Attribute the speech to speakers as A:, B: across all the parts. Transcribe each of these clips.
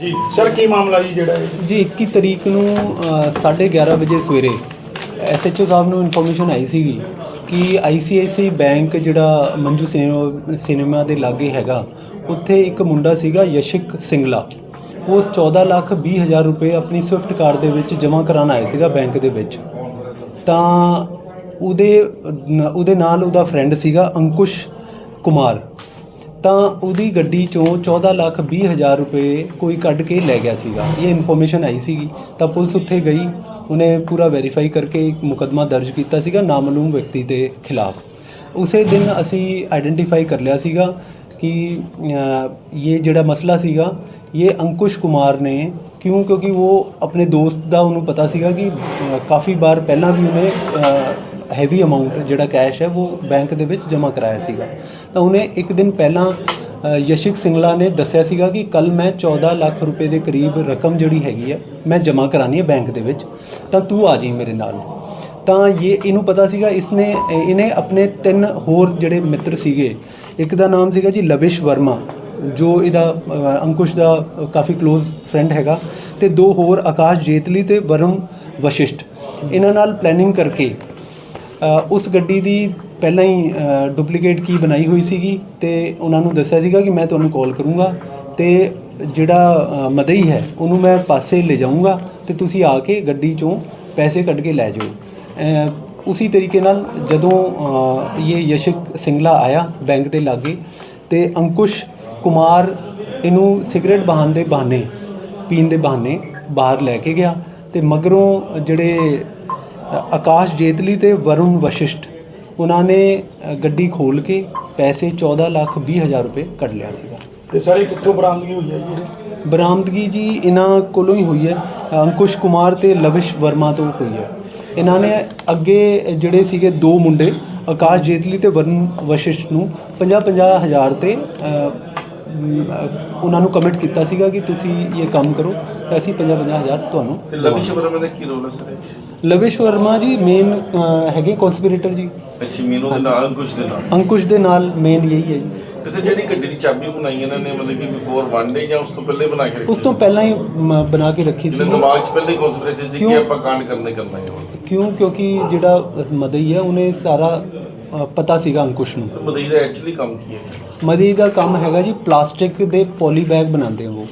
A: ਜੀ ਸਰ ਕੀ ਮਾਮਲਾ ਜੀ ਜਿਹੜਾ
B: जी 21 ਤਰੀਕ ਨੂੰ 11:30 ਵਜੇ ਸਵੇਰੇ SHO ਸਾਹਿਬ ਨੂੰ ਇਨਫੋਰਮੇਸ਼ਨ ਆਈ ਸੀਗੀ ਕਿ ICICI ਬੈਂਕ ਜਿਹੜਾ ਮੰਜੂ ਸਿਨੇਮਾ ਦੇ ਲਾਗੇ ਹੈਗਾ ਉੱਥੇ ਇੱਕ ਮੁੰਡਾ ਸੀਗਾ ਯਸ਼ਿਕ ਸਿੰਗਲਾ। ਉਸ 14,20,000 ਰੁਪਏ ਆਪਣੀ ਸਵਿਫਟ ਕਾਰ ਦੇ ਵਿੱਚ ਜਮ੍ਹਾਂ ਕਰਾਉਣ ਆਇਆ ਸੀਗਾ ਬੈਂਕ ਦੇ ਵਿੱਚ। ਤਾਂ ਉਹਦੇ ਨਾਲ ਉਹਦਾ ਫਰੈਂਡ ਸੀਗਾ ਅੰਕੁਸ਼ ਕੁਮਾਰ। ਤਾਂ ਉਹਦੀ ਗੱਡੀ ਚੋਂ 14,20,000 ਰੁਪਏ ਕੋਈ ਕੱਢ ਕੇ ਲੈ ਗਿਆ ਸੀਗਾ। ਇਹ ਇਨਫੋਰਮੇਸ਼ਨ ਆਈ ਸੀਗੀ ਤਾਂ ਪੁਲਿਸ ਉੱਥੇ ਗਈ, ਉਹਨੇ ਪੂਰਾ ਵੈਰੀਫਾਈ ਕਰਕੇ ਇੱਕ ਮੁਕੱਦਮਾ ਦਰਜ ਕੀਤਾ ਸੀਗਾ ਨਾਮਾਲੂਮ ਵਿਅਕਤੀ ਦੇ ਖਿਲਾਫ। ਉਸੇ ਦਿਨ ਅਸੀਂ ਆਈਡੈਂਟੀਫਾਈ ਕਰ ਲਿਆ ਸੀਗਾ ਕਿ ਇਹ ਜਿਹੜਾ ਮਸਲਾ ਸੀਗਾ ਇਹ ਅੰਕੁਸ਼ ਕੁਮਾਰ ਨੇ ਕਿਉਂਕਿ ਉਹ ਆਪਣੇ ਦੋਸਤ ਦਾ ਉਹਨੂੰ ਪਤਾ ਸੀਗਾ ਕਿ ਕਾफ़ी ਵਾਰ ਪਹਿਲਾਂ ਵੀ ਉਹਨੇ ਹੈਵੀ ਅਮਾਊਂਟ ਜਿਹੜਾ ਕੈਸ਼ ਹੈ ਉਹ ਬੈਂਕ ਦੇ ਵਿੱਚ ਜਮ੍ਹਾਂ ਕਰਾਇਆ ਸੀਗਾ। ਤਾਂ ਉਹਨੇ ਇੱਕ ਦਿਨ ਪਹਿਲਾਂ ਯਸ਼ਿਕ ਸਿੰਗਲਾ ਨੇ ਦੱਸਿਆ ਸੀਗਾ ਕਿ ਕੱਲ੍ਹ ਮੈਂ 14 ਲੱਖ ਰੁਪਏ ਦੇ ਕਰੀਬ ਰਕਮ ਜਿਹੜੀ ਹੈਗੀ ਹੈ ਮੈਂ ਜਮ੍ਹਾਂ ਕਰਾਉਣੀ ਹੈ ਬੈਂਕ ਦੇ ਵਿੱਚ, ਤਾਂ ਤੂੰ ਆ ਜਾਈਂ ਮੇਰੇ ਨਾਲ। ਤਾਂ ਇਹਨੂੰ ਪਤਾ ਸੀਗਾ ਇਹਨੇ ਆਪਣੇ 3 ਹੋਰ ਜਿਹੜੇ ਮਿੱਤਰ ਸੀਗੇ, ਇੱਕ ਦਾ ਨਾਮ ਸੀਗਾ ਜੀ ਲਵਿਸ਼ ਵਰਮਾ ਜੋ ਇਹਦਾ ਅੰਕੁਸ਼ ਦਾ ਕਾਫੀ ਕਲੋਜ਼ ਫਰੈਂਡ ਹੈਗਾ, ਅਤੇ 2 ਹੋਰ ਆਕਾਸ਼ ਜੇਤਲੀ ਅਤੇ ਵਰੁਣ ਵਸ਼ਿਸ਼ਟ। ਇਹਨਾਂ ਨਾਲ ਪਲੈਨਿੰਗ ਕਰਕੇ ਉਸ ਗੱਡੀ ਦੀ ਪਹਿਲਾਂ ਹੀ ਡੁਪਲੀਕੇਟ ਕੀ ਬਣਾਈ ਹੋਈ ਸੀਗੀ ਅਤੇ ਉਹਨਾਂ ਨੂੰ ਦੱਸਿਆ ਸੀਗਾ ਕਿ ਮੈਂ ਤੁਹਾਨੂੰ ਕਾਲ ਕਰੂੰਗਾ ਅਤੇ ਜਿਹੜਾ ਮਦਈ ਹੈ ਉਹਨੂੰ ਮੈਂ ਪਾਸੇ ਲੈ ਜਾਊਂਗਾ ਅਤੇ ਤੁਸੀਂ ਆ ਕੇ ਗੱਡੀ ਚੋਂ ਪੈਸੇ ਕੱਢ ਕੇ ਲੈ ਜਾਓ। ਉਸੀ ਤਰੀਕੇ ਨਾਲ ਜਦੋਂ ਇਹ ਯਸ਼ਿਕ ਸਿੰਗਲਾ ਆਇਆ ਬੈਂਕ ਦੇ ਲਾਗੇ ਅਤੇ ਅੰਕੁਸ਼ ਕੁਮਾਰ ਇਹਨੂੰ ਸਿਗਰਟ ਪੀਣ ਦੇ ਬਹਾਨੇ ਬਾਹਰ ਲੈ ਕੇ ਗਿਆ ਅਤੇ ਮਗਰੋਂ ਜਿਹੜੇ ਆਕਾਸ਼ ਜੇਤਲੀ ਅਤੇ ਵਰੁਣ ਵਸ਼ਿਸ਼ਟ ਉਹਨਾਂ ਨੇ ਗੱਡੀ ਖੋਲ੍ਹ ਕੇ ਪੈਸੇ 14,20,000 ਰੁਪਏ ਕੱਢ ਲਿਆ ਸੀਗਾ।
A: ਤੇ ਸਰ ਇਹ ਕਿੱਥੋਂ ਬਰਾਮਦਗੀ ਹੋਈ ਹੈ ਜੀ?
B: ਬਰਾਮਦਗੀ ਜੀ ਇਹਨਾਂ ਕੋਲੋਂ ਹੀ ਹੋਈ ਹੈ, ਅੰਕੁਸ਼ ਕੁਮਾਰ ਅਤੇ ਲਵਿਸ਼ ਵਰਮਾ ਤੋਂ ਹੋਈ ਹੈ। ਇਹਨਾਂ ਨੇ ਅੱਗੇ ਜਿਹੜੇ ਸੀਗੇ 2 ਮੁੰਡੇ ਆਕਾਸ਼ ਜੇਤਲੀ ਅਤੇ ਵਰੁਣ ਵਸ਼ਿਸ਼ਟ ਨੂੰ 50-50 ਹਜ਼ਾਰ 'ਤੇ ਉਹਨਾਂ ਨੂੰ ਕਮਿਟ ਕੀਤਾ ਸੀਗਾ ਕਿ ਤੁਸੀਂ ਇਹ ਕੰਮ ਕਰੋ ਤਾਂ ਅਸੀਂ 50-50 ਹਜ਼ਾਰ ਤੁਹਾਨੂੰ।
C: ਲਵਿਸ਼ ਵਰਮਾ ਦਾ ਕੀ ਰੋਲ ਹੈ ਸਰ?
B: ਲਵਿਸ਼ ਵਰਮਾ ਜੀ ਮੇਨ ਹੈਗੇ ਕਨਸਪੀਰੇਟਰ ਜੀ।
C: ਅੱਛਾ, ਮੀਨੂ ਦੇ ਨਾਲ
B: ਅੰਕੁਸ਼ ਦੇ ਨਾਲ ਮੇਨ ਇਹੀ ਹੈ ਜੀ।
C: ਵੈਸੇ ਜਿਹੜੀ ਗੱਡੀ ਦੀ ਚਾਬੀ ਬਣਾਈ ਇਹਨਾਂ ਨੇ ਮਤਲਬ ਕਿ ਬਿਫੋਰ 1 ਡੇ ਜਾਂ ਉਸ ਤੋਂ ਪਹਿਲੇ ਬਣਾ ਕੇ ਰੱਖੀ?
B: ਉਸ ਤੋਂ ਪਹਿਲਾਂ ਹੀ ਬਣਾ ਕੇ ਰੱਖੀ ਸੀ।
C: ਦਿਮਾਗ 'ਚ ਪਹਿਲੇ ਕਨਸਪੀਰੇਸੀ ਸੀ ਕਿ ਆਪਾਂ ਕਾਂਡ ਕਰਨਾ ਹੈ।
B: ਕਿਉਂਕਿ ਜਿਹੜਾ ਮਦਈ ਹੈ ਉਹਨੇ ਸਾਰਾ ਪਤਾ ਸੀਗਾ ਅੰਕੁਸ਼ ਨੂੰ।
C: ਮਦਈ ਦਾ ਐਕਚੁਅਲੀ ਕੰਮ ਕੀ ਹੈ?
B: ਮਦਈ ਦਾ ਕੰਮ ਹੈਗਾ ਜੀ ਪਲਾਸਟਿਕ ਦੇ ਪੋਲੀ ਬੈਗ ਬਣਾਉਂਦੇ ਉਹ।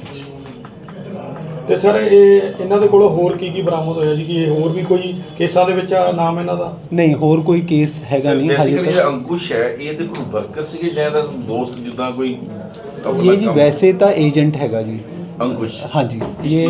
A: ਤੇ ਸਰ ਇਹਨਾਂ ਦੇ ਕੋਲੋਂ ਹੋਰ ਕੀ ਬਰਾਮਦ ਹੋਇਆ ਜੀ? ਕਿ ਇਹ ਹੋਰ ਵੀ ਕੋਈ ਕੇਸਾਂ ਦੇ ਵਿੱਚ ਆ ਨਾਮ ਇਹਨਾਂ ਦਾ?
B: ਨਹੀਂ, ਹੋਰ ਕੋਈ ਕੇਸ ਹੈਗਾ ਨਹੀਂ ਹਜੇ ਤੱਕ।
C: ਜਿਹੜਾ ਅੰਕੁਸ਼ ਹੈ ਇਹ ਦੇ ਕੋਈ ਵਰਕਰ ਸੀਗੇ ਜਾਂ ਇਹਦਾ ਦੋਸਤ ਜਿੱਦਾਂ ਕੋਈ?
B: ਇਹ ਜੀ ਵੈਸੇ ਤਾਂ ਏਜੰਟ ਹੈਗਾ ਜੀ
C: ਅੰਕੁਸ਼।
B: ਹਾਂਜੀ,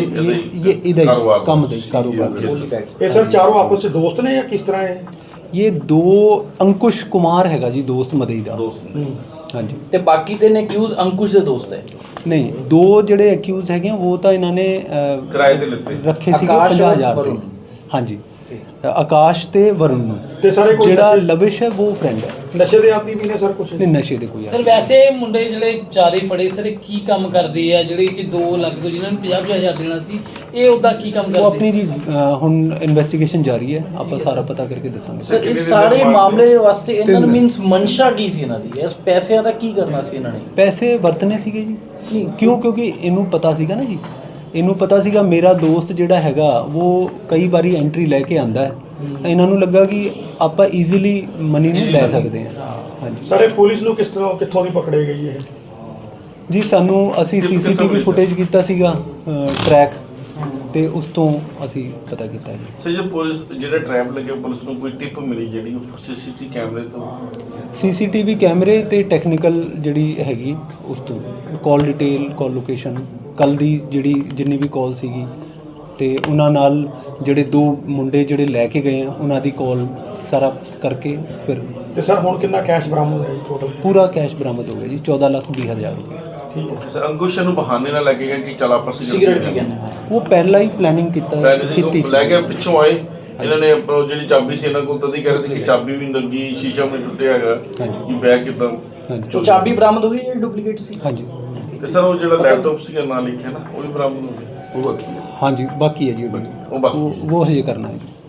B: ਇਹ ਇਹਦਾ ਹੀ ਕੰਮ ਦਾ ਕਾਰੋਬਾਰ।
A: ਇਹ ਸਰ ਚਾਰੋਂ ਆਪਸ ਵਿੱਚ ਦੋਸਤ ਨੇ ਜਾਂ ਕਿਸ ਤਰ੍ਹਾਂ ਹੈ?
B: ਇਹ 2 ਅੰਕੁਸ਼ ਕੁਮਾਰ ਹੈਗਾ ਜੀ ਦੋਸਤ ਮਦਈ ਦਾ। ਹਾਂਜੀ,
D: ਤੇ ਬਾਕੀ 3 ਅਕਿਊਜ਼ ਅੰਕੁਸ਼ ਦੇ ਦੋਸਤ ਹੈ?
B: ਨਹੀਂ, 2 ਜਿਹੜੇ ਅਕਿਊਜ਼ ਹੈਗੇ ਉਹ ਤਾਂ ਇਹਨਾਂ ਨੇ
C: ਕਿਰਾਏ ਤੇ ਲਿੱਤੇ
B: ਰੱਖੇ ਸੀਗੇ 50,000 ਤੇ। ਹਾਂਜੀ, ਆਕਾਸ਼ ਤੇ ਵਰੁਣ ਨੂੰ।
A: ਤੇ ਸਾਰੇ
B: ਜਿਹੜਾ ਲਵਿਸ਼ ਹੈ ਉਹ ਫਰੈਂਡ ਹੈ।
A: ਨਸ਼ੇ ਦੇ ਆਦੀ ਵੀ ਨੇ ਸਰ ਕੁਛ?
B: ਨਹੀਂ, ਨਸ਼ੇ ਦੇ ਕੋਈ
D: ਸਰ ਵੈਸੇ ਮੁੰਡੇ ਜਿਹੜੇ ਚਾਰੇ ਫੜੇ ਸਰ ਕੀ ਕੰਮ ਕਰਦੇ ਆ ਜਿਹੜੇ ਕਿ 2 ਲੱਖ ਤੋਂ ਜਿਨ੍ਹਾਂ ਨੂੰ 50,000 ਦੇਣਾ ਸੀ, ਇਹ ਉਹਦਾ ਕੀ ਕੰਮ ਕਰਦੇ?
B: ਉਹ ਆਪਣੀ ਜੀ ਹੁਣ ਇਨਵੈਸਟੀਗੇਸ਼ਨ ਜਾਰੀ ਹੈ, ਆਪਾਂ ਸਾਰਾ ਪਤਾ ਕਰਕੇ ਦੱਸਾਂਗੇ।
D: ਸਰ ਇਸ ਸਾਰੇ ਮਾਮਲੇ ਵਾਸਤੇ ਇਹਨਾਂ ਨੂੰ ਮੀਨਸ ਮਨਸ਼ਾ ਕੀ ਸੀ ਇਹਨਾਂ ਦੀ? ਇਸ ਪੈਸਿਆਂ ਦਾ ਕੀ ਕਰਨਾ ਸੀ ਇਹਨਾਂ ਨੇ?
B: ਪੈਸੇ ਵਰਤਨੇ ਸੀਗੇ ਜੀ। ਕਿਉਂਕਿ ਇਹਨੂੰ ਪਤਾ ਸੀਗਾ ਨਾ ਜੀ, ਇਹਨੂੰ ਪਤਾ ਸੀਗਾ ਮੇਰਾ ਦੋਸਤ ਜਿਹੜਾ ਹੈਗਾ ਉਹ ਕਈ ਵਾਰੀ ਐਂਟਰੀ ਲੈ ਕੇ ਆਂਦਾ ਹੈ। ਇਹਨਾਂ ਨੂੰ ਲੱਗਾ ਕਿ ਆਪਾਂ ਈਜ਼ੀਲੀ ਮਨੀ ਨੂੰ ਲੈ ਸਕਦੇ ਹਾਂ। ਹਾਂਜੀ
A: ਸਰ, ਇਹ ਪੁਲਿਸ ਨੂੰ ਕਿੱਥੋਂ ਦੀ ਪਕੜੇ ਗਈ ਹੈ
B: ਜੀ? ਅਸੀਂ CCTV ਫੁਟੇਜ ਕੀਤਾ ਸੀਗਾ ਟਰੈਕ, ਤੇ ਉਸ ਤੋਂ ਅਸੀਂ ਪਤਾ ਕੀਤਾ ਜੀ।
C: ਸਰ ਜੇ ਪੁਲਿਸ ਜਿਹੜਾ ਟ੍ਰੈਪ ਲੱਗੇ ਪੁਲਿਸ ਨੂੰ ਕੋਈ ਟਿਪ ਮਿਲੀ ਜਿਹੜੀ CCTV ਕੈਮਰੇ ਤੋਂ?
B: CCTV ਕੈਮਰੇ ਤੇ ਟੈਕਨੀਕਲ ਜਿਹੜੀ ਹੈਗੀ ਉਸ ਤੋਂ ਕਾਲ ਡਿਟੇਲ, ਕਾਲ ਲੋਕੇਸ਼ਨ, ਕੱਲ੍ਹ ਦੀ ਜਿੰਨੀ ਵੀ ਕਾਲ ਸੀਗੀ ਅਤੇ ਉਹਨਾਂ ਨਾਲ ਜਿਹੜੇ 2 ਮੁੰਡੇ ਜਿਹੜੇ ਲੈ ਕੇ ਗਏ ਆ ਉਹਨਾਂ ਦੀ ਕਾਲ ਸਾਰਾ ਕਰਕੇ ਫਿਰ।
A: ਤੇ ਸਰ ਹੁਣ ਕਿੰਨਾ ਕੈਸ਼ ਬਰਾਮਦ ਹੋਇਆ ਟੋਟਲ?
B: ਪੂਰਾ ਕੈਸ਼ ਬਰਾਮਦ ਹੋ ਗਿਆ ਜੀ 14,20,000 ਰੁਪਏ।
A: ਠੀਕ ਹੈ
C: ਸਰ, ਅੰਕੁਸ਼ ਨੂੰ ਬਹਾਨੇ ਨਾਲ ਲੈ ਕੇ ਗਿਆ ਕਿ ਚੱਲ ਆਪਾਂ
D: ਸਿਗਰਟ ਪੀ ਗਏ?
B: ਉਹ ਪਹਿਲਾਂ ਹੀ ਪਲੈਨਿੰਗ ਕੀਤੀ ਸੀ।
C: ਲੈ ਕੇ ਪਿੱਛੋਂ ਆਏ ਇਹਨਾਂ ਨੇ ਜਿਹੜੀ ਚਾਬੀ ਸੀ ਇਹਨਾਂ ਕੋਲ ਤਦੀ ਕਹਿ ਰਹੇ ਸੀ ਕਿ ਚਾਬੀ ਵੀ ਲੱਗੀ, ਸ਼ੀਸ਼ਾ ਵੀ ਟੁੱਟਿਆ ਹੈਗਾ ਕਿ ਬੈਗ ਕਿੱਦਾਂ।
B: ਹਾਂਜੀ,
D: ਉਹ ਚਾਬੀ ਬਰਾਮਦ ਹੋਈ ਜਿਹੜੀ ਡੁਪਲੀਕੇਟ ਸੀ?
B: ਹਾਂਜੀ।
C: ਤੇ ਸਰ ਉਹ ਜਿਹੜਾ ਲੈਪਟਾਪ ਸੀਗਾ ਨਾਲ ਲਿਖਿਆ ਨਾ ਉਹ ਵੀ ਬਰਾਮਦ ਹੋ ਗਿਆ? ਉਹ ਬਾਕੀ ਹੈ।
B: ਹਾਂਜੀ, ਬਾਕੀ ਹੈ ਜੀ ਉਹ ਹਜੇ ਕਰਨਾ ਹੈ ਜੀ।